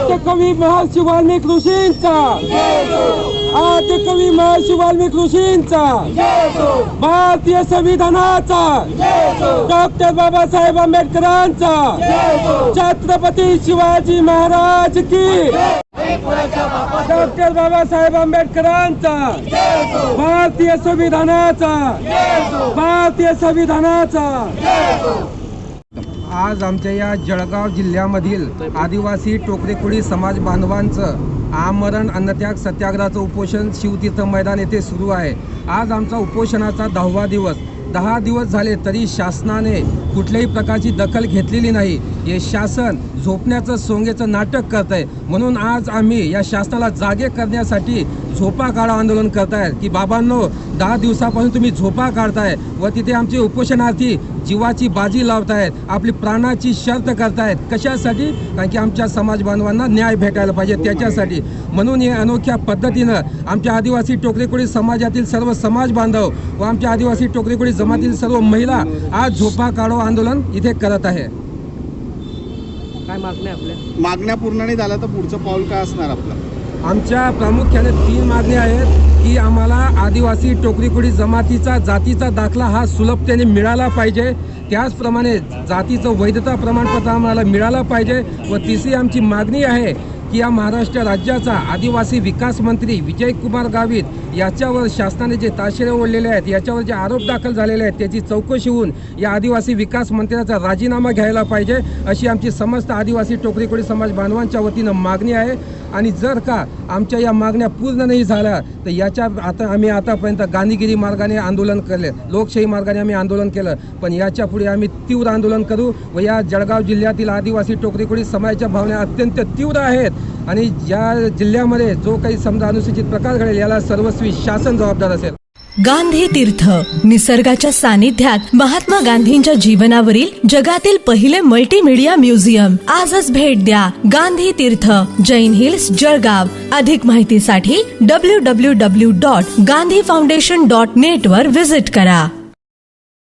आद्यकवी महर्षी वाल्मिकी ऋषींचा, आद्यकवी महर्षी वाल्मिकी ऋषींचा, भारतीय संविधानाचा, डॉक्टर बाबासाहेब आंबेडकरांचा, छत्रपती शिवाजी महाराज की, डॉक्टर बाबासाहेब आंबेडकरांचा, भारतीय संविधानाचा, भारतीय संविधानाचा। आज आमच्या या जळगाव जिल्ह्यामधील आदिवासी टोकरेकुडी समाज बांधवांचं आमरण अन्नत्याग सत्याग्रहाचं उपोषण शिवतीर्थ मैदान येथे सुरू आहे। आज आमचा उपोषणाचा 10वा दिवस। 10 दिवस झाले तरी शासनाने कुठल्याही प्रकारची दखल घेतलेली नाही। हे शासन झोपण्याचं सोंगेचं नाटक करत आहे। म्हणून आज आम्ही या शासनाला जागे करण्यासाठी झोपा काढा आंदोलन करतायत की बाबांनो 10 दिवसापासून तुम्ही झोपा काढताय व तिथे आमचे उपोषणार्थी जीवाची बाजी लावतायत, आपली प्राणाची शर्त करतायत। कशासाठी? कारण की आमच्या समाज बांधवांना न्याय भेटायला पाहिजे त्याच्यासाठी। म्हणून हे अनोख्या पद्धतीनं आमच्या आदिवासी टोकरेकुडी समाजातील सर्व समाज बांधव व आमच्या आदिवासी टोकरेकुडी जमातीतील सर्व महिला आज झोपा काढो आंदोलन इथे करत आहे। काय मागण्या आपल्या? मागण्या पूर्ण नाही झाल्या तर पुढचं पाऊल काय असणार आपलं? आमच्या प्रामुख्याने 3 मागण्या आहेत की आम्हाला आदिवासी टोकरीकुडी जमातीचा जातीचा दाखला हा सुलभतेने मिळाला पाहिजे, त्याचप्रमाणे जातीचं वैधता प्रमाणपत्र आम्हाला मिळालं पाहिजे व तिसरी आमची मागणी आहे की या महाराष्ट्र राज्याचा आदिवासी विकास मंत्री विजयकुमार गावित याच्यावर शासनाने जे ताशेरे ओढलेले आहेत, याच्यावर जे आरोप दाखल झालेले आहेत त्याची चौकशी होऊन या आदिवासी विकास मंत्र्याचा राजीनामा घ्यायला पाहिजे अशी आमची समस्त आदिवासी टोकरीकुडी समाज बांधवांच्या वतीनं मागणी आहे। आणि जर का आमच्या या मागण्या पूर्ण नाही झाल्या तर आम्ही आतापर्यंत गांधीगिरी मार्गाने आंदोलन केले, लोकशाही मार्गाने आम्ही आंदोलन केलं, पण याच्या पुढे आम्ही तीव्र आंदोलन करू व या जळगाव जिल्ह्यातील आदिवासी टोकरीकुडी समाजाच्या भावना अत्यंत तीव्र आहेत आणि या जिल्ह्यामध्ये जो काही समजा अनुसूचित प्रकार घडेल याला सर्वस्वी शासन जबाबदार असेल। गांधी तीर्थ निसर्गाच्या सानिध्यात महात्मा गांधींच्या जीवनावरील जगातील पहिले मल्टीमीडिया म्युझियम। आजच भेट द्या गांधी तीर्थ, जैन हिल्स, जळगाव। अधिक माहितीसाठी www.gandhifoundation.net वर विजिट करा।